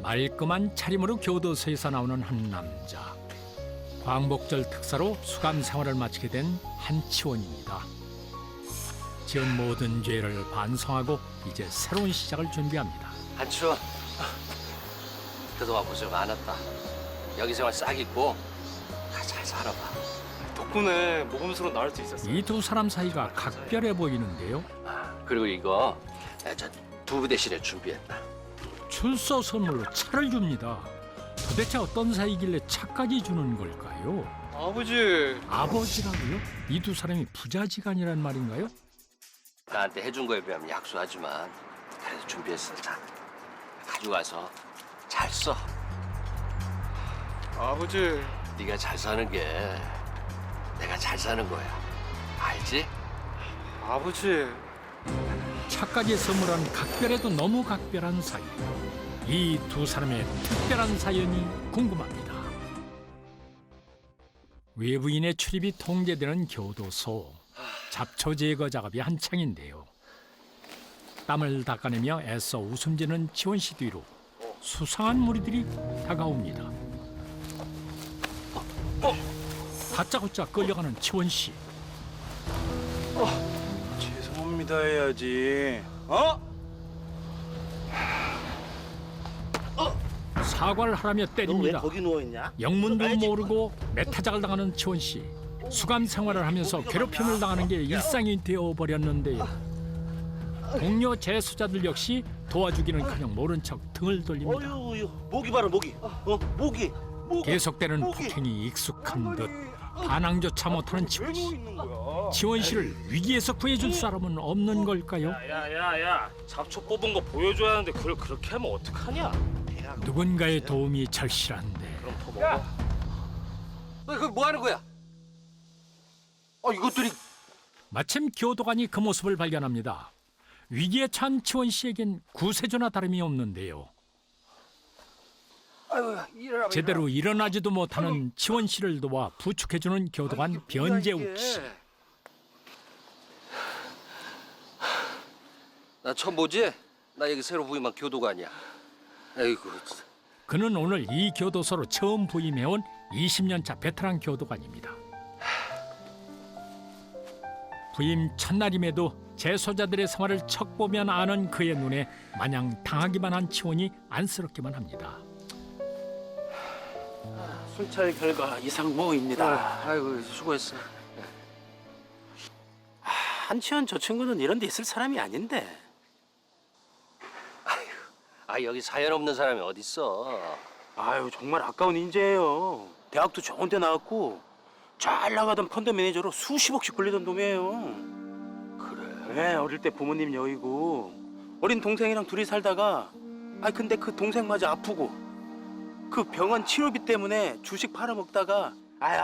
말끔한 차림으로 교도소에서 나오는 한 남자. 광복절 특사로 수감 생활을 마치게 된 한치원입니다. 지은 모든 죄를 반성하고 이제 새로운 시작을 준비합니다. 한추, 그동안 고생 많았다. 여기 생활 싹 잊고 잘 살아봐. 덕분에 모범수로 나올 수 있었어. 이 두 사람 사이가 각별해 보이는데요. 그리고 이거 저 두부 대신에 준비했다. 출소 선물로 차를 줍니다. 도대체 어떤 사이길래 차까지 주는 걸까요? 아버지. 아버지라고요? 이 두 사람이 부자지간이란 말인가요? 나한테 해준 거에 비하면 약소하지만 그래도 준비했어. 자, 가져가서 잘 써. 아버지. 네가 잘 사는 게 내가 잘 사는 거야. 알지? 아버지. 차까지 선물한 각별해도 너무 각별한 사이. 이 두 사람의 특별한 사연이 궁금합니다. 외부인의 출입이 통제되는 교도소. 잡초 제거 작업이 한창인데요. 땀을 닦아내며 애써 웃음 지는 지원 씨 뒤로 수상한 무리들이 다가옵니다. 다짜고짜 끌려가는 지원 씨. 죄송합니다 해야지. 어? 사과를 하라며 너 왜 때립니다. 거기 누워 있냐? 영문도 모르고 매타작을 당하는 지원 씨. 수감 생활을 하면서 괴롭힘을 당하는 게 일상이 되어버렸는데요. 동료 재수자들 역시 도와주기는커녕 모른 척 등을 돌립니다. 어휴, 모기 봐라 모기. 모기. 계속되는 폭행이 익숙한 듯 반항조차 못하는 지원 씨. 지원 씨를 위기에서 구해줄 사람은 없는 걸까요? 야야야, 잡초 뽑은 거 보여줘야 하는데 그걸 그렇게 하면 어떡하냐? 누군가의 도움이 절실한데 그럼 더 먹어. 너 그거 뭐 하는 거야? 이것들이 마침 교도관이 그 모습을 발견합니다. 위기에 처한 지원 씨에겐 구세주나 다름이 없는데요. 제대로 일어나지도 못하는 지원 씨를 도와 부축해주는 교도관 변재욱 씨. 나 처음 보지? 나 여기 새로 부임한 교도관이야. 아이고, 진짜. 그는 오늘 이 교도소로 처음 부임해온 20년차 베테랑 교도관입니다. 부임 첫날임에도 재소자들의 생활을 척 보면 아는 그의 눈에 마냥 당하기만 한 치원이 안쓰럽기만 합니다. 순찰 결과 이상무입니다. 아이고, 수고했어. 한치원 저 친구는 이런 데 있을 사람이 아닌데. 여기 사연 없는 사람이 어딨어? 아유 정말 아까운 인재예요. 대학도 좋은 데 나왔고 잘 나가던 펀드 매니저로 수십억씩 굴리던 놈이에요. 그래. 네, 어릴 때 부모님 여의고 어린 동생이랑 둘이 살다가 근데 그 동생마저 아프고 그 병원 치료비 때문에 주식 팔아먹다가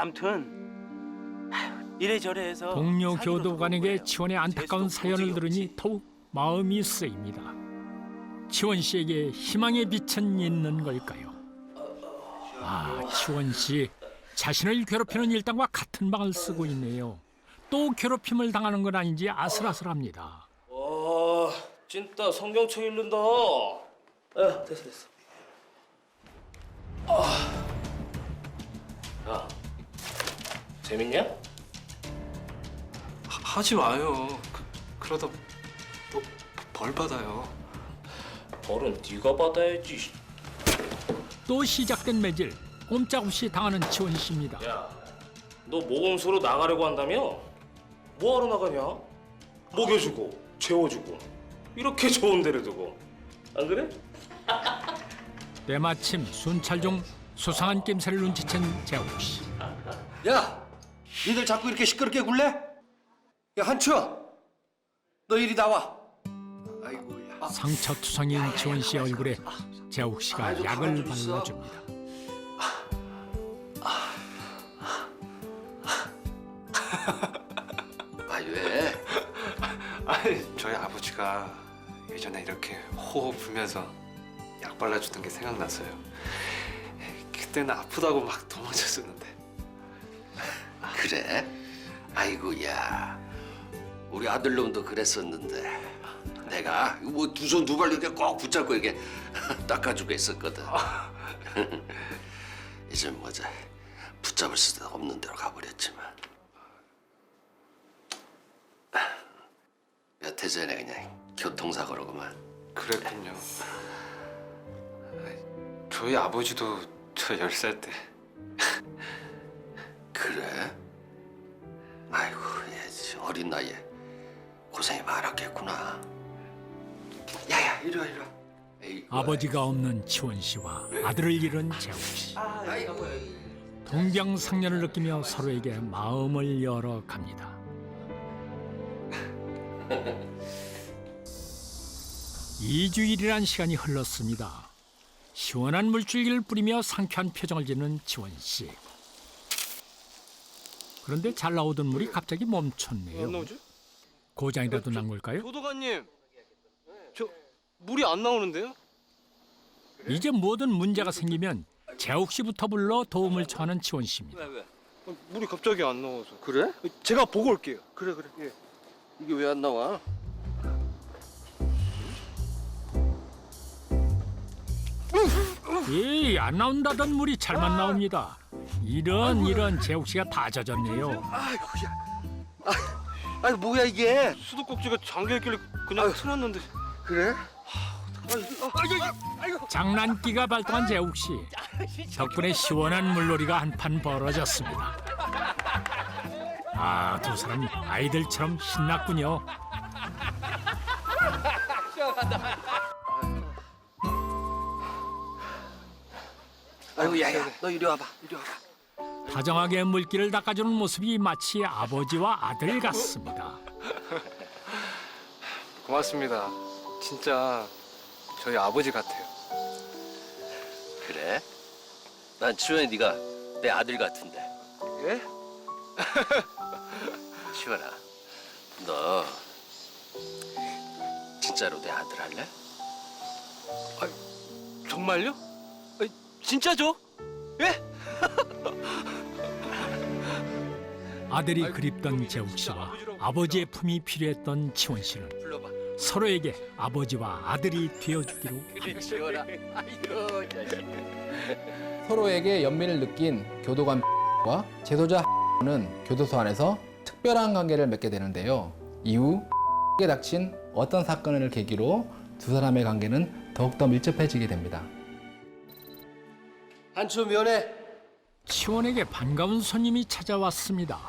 암튼 이래저래 해서 동료 사기로 교도관에게 들어온 거예요. 치원의 안타까운 재수도 사연을 고집이 들으니 없지. 더욱 마음이 쓰입니다. 치원 씨에게 희망의 빛은 있는 걸까요? 치원 씨 자신을 괴롭히는 일당과 같은 방을 쓰고 있네요. 또 괴롭힘을 당하는 건 아닌지 아슬아슬합니다. 찐따 성경책 읽는다. 됐어. 야, 재밌냐? 하지 마요. 그러다 벌 받아요. 벌은 네가 받아야지. 또 시작된 매질, 꼼짝없이 당하는 치원 씨입니다. 야, 너 모범수로 나가려고 한다며? 뭐하러 나가냐? 먹여주고, 재워주고, 이렇게 좋은 데를 두고. 안 그래? 때마침 순찰 중 수상한 낌새를 눈치챈 재욱 씨. 야, 니들 자꾸 이렇게 시끄럽게 굴래? 야, 한추, 너 이리 나와. 아이고야. 상처투성인 지원 씨의 얼굴에 재욱 씨가 약을 발라줍니다. 왜? 저희 아버지가 예전에 이렇게 호호 불면서 약 발라주던 게 생각나서요. 그때는 아프다고 막 도망쳤었는데. 그래? 아이고야. 우리 아들놈도 그랬었는데. 내가 뭐 두 손 두 발 이렇게 꼭 붙잡고 이렇게 닦아주고 있었거든. 이제 뭐지 붙잡을 수도 없는 데로 가버렸지만 몇 해 전에 그냥 교통사고로 그만. 그랬군요. 저희 아버지도 저 10살 때 그래? 아이고 얘 어린 나이에 고생이 많았겠구나. 야야 이리 와 이리 와. 에이구, 아버지가 없는 치원 씨와 아들을 잃은 재욱 씨. 아이고. 동병상련을 느끼며 서로에게 마음을 열어갑니다. (2주일이란) 시간이 흘렀습니다. 시원한 물줄기를 뿌리며 상쾌한 표정을 짓는 지원 씨. 그런데 잘 나오던 물이 갑자기 멈췄네요. 고장이라도 난 걸까요? 교도관님, 저 물이 안 나오는데요? 이제 뭐든 문제가 생기면 재욱 씨부터 불러 도움을 청하는 지원 씨입니다. 물이 갑자기 안 나와서. 그래? 제가 보고 올게요. 그래. 예. 이게 왜 안 나와? 에이, 안 나온다던 물이 잘만 나옵니다. 이런 재욱 씨가 다 젖었네요. 아니 뭐야 이게? 수도꼭지가 잠겨 있길래 그냥 틀었는데. 그래? 장난기가 발동한 재욱 씨. 덕분에 시원한 물놀이가 한판 벌어졌습니다. 아, 두 사람 아이들처럼 신났군요. 아이고 야야 너 이리 와봐 이리 와봐. 다정하게 물기를 닦아주는 모습이 마치 아버지와 아들 같습니다. 고맙습니다. 진짜 저희 아버지 같아요. 그래? 난 치원이 네가 내 아들 같은데. 예? 치원아, 너 진짜로 내 아들 할래? 정말요? 진짜죠? 예? 아들이 그립던 재욱 씨와 아버지의 품이 필요했던 지원 씨는 불러봐. 서로에게 아버지와 아들이 되어주기로. 그래 치원아. 아이고 자식. 서로에게 연민을 느낀 교도관과 제소자 는 교도소 안에서 특별한 관계를 맺게 되는데요. 이후 에 닥친 어떤 사건을 계기로 두 사람의 관계는 더욱더 밀접해지게 됩니다. 한초 면회. 치원에게 반가운 손님이 찾아왔습니다.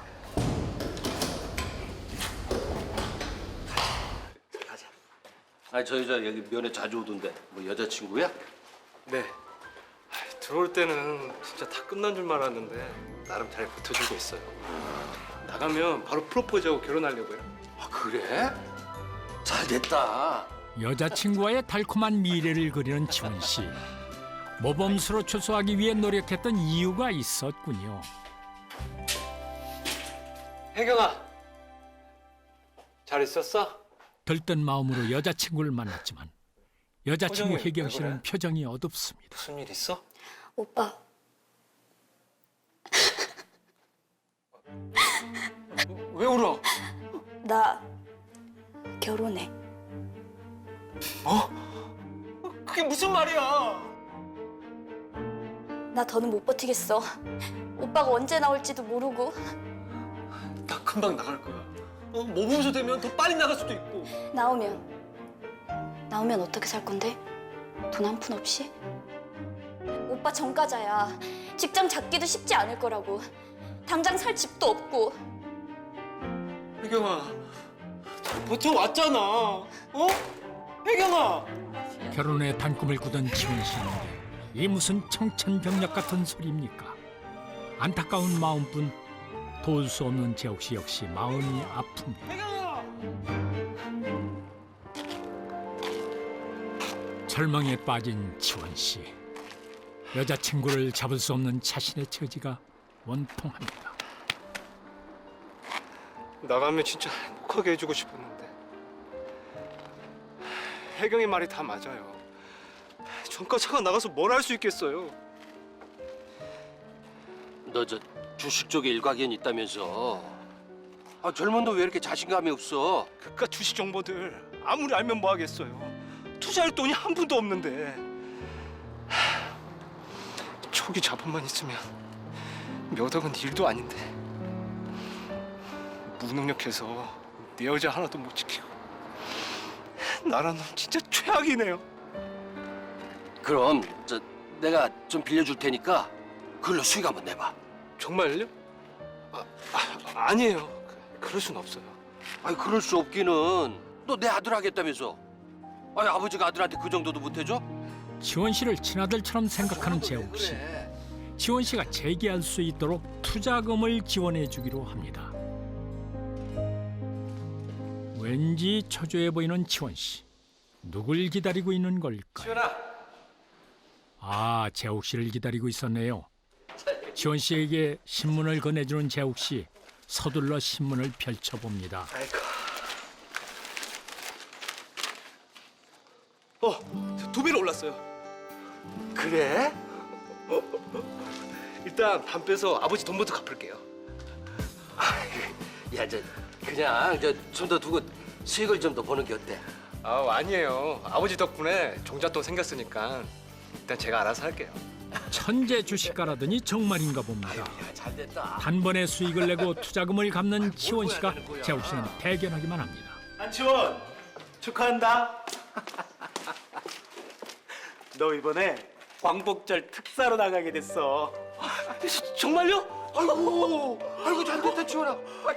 가자. 아니 저 여자 여기 면회 자주 오던데 뭐 여자친구야? 네. 들어올 때는 진짜 다 끝난 줄 알았는데 나름 잘 버텨주고 있어요. 나가면 바로 프로포즈하고 결혼하려고요. 아 그래? 잘 됐다. 여자친구와의 달콤한 미래를 그리는 지원 씨. 모범수로 출소하기 위해 노력했던 이유가 있었군요. 혜경아, 잘 있었어? 들뜬 마음으로 여자친구를 만났지만 여자친구 표정이 혜경 왜 씨는 그래? 표정이 어둡습니다. 무슨 일 있어? 오빠, 왜 울어? 나 결혼해. 그게 무슨 말이야? 나 더는 못 버티겠어. 오빠가 언제 나올지도 모르고. 나 금방 나갈 거야. 모범수 되면 더 빨리 나갈 수도 있고. 나오면 어떻게 살 건데? 돈 한 푼 없이? 오빠 전과자야. 직장 잡기도 쉽지 않을 거라고. 당장 살 집도 없고. 혜경아, 잘 버텨왔잖아. 혜경아! 결혼의 단꿈을 꾸던 지원 씨인데 이 무슨 청천벽력 같은 소리입니까? 안타까운 마음뿐 도울 수 없는 재욱 씨 역시 마음이 아픕니다. 혜경아! 절망에 빠진 지원 씨. 여자친구를 잡을 수 없는 자신의 처지가 원통합니다. 나가면 진짜 행복하게 해주고 싶었는데 혜경이 말이 다 맞아요. 전과자가 나가서 뭘 할 수 있겠어요. 너 저 주식 쪽에 일가견 있다면서? 아, 젊은도 왜 이렇게 자신감이 없어? 그깟 주식 정보들 아무리 알면 뭐 하겠어요. 투자할 돈이 한 푼도 없는데. 초기 자본만 있으면 몇 억은 일도 아닌데. 무능력해서 내 여자 하나도 못 지키고. 나란 놈 진짜 최악이네요. 그럼 내가 좀 빌려줄 테니까 그걸로 수익 한번 내봐. 정말요? 아니에요. 그럴 순 없어요. 아니 그럴 수 없기는. 너 내 아들 하겠다면서. 아니 아버지가 아들한테 그 정도도 못 해줘? 지원 씨를 친아들처럼 생각하는 재욱 씨. 지원 씨가 재기할 수 있도록 투자금을 지원해 주기로 합니다. 왠지 초조해 보이는 지원 씨. 누굴 기다리고 있는 걸까요? 지원아. 아, 재욱 씨를 기다리고 있었네요. 지원 씨에게 신문을 건네주는 재욱 씨. 서둘러 신문을 펼쳐봅니다. 아이고. 두 배로 올랐어요. 그래? 일단 반 빼서 아버지 돈부터 갚을게요. 야, 그냥 좀 더 두고 수익을 좀 더 보는 게 어때? 아니에요. 아버지 덕분에 종잣돈 생겼으니까 일단 제가 알아서 할게요. 천재 주식가라더니 정말인가 봅니다. 야, 잘 됐다. 단번에 수익을 내고 투자금을 갚는 지원 씨가 재욱 씨는 대견하기만 합니다. 안치원 축하한다. 너 이번에 광복절 특사로 나가게 됐어. 정말요? 아이고 잘 됐다, 지원아.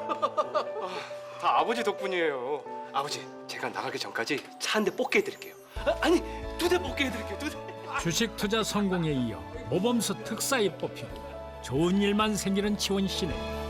다 아버지 덕분이에요. 아버지, 제가 나가기 전까지 차 한 대 뽑게 해드릴게요. 아니, 2대 뽑게 해드릴게요. 2대. 주식 투자 성공에 이어 모범수 특사에 뽑히고 좋은 일만 생기는 지원 씨네.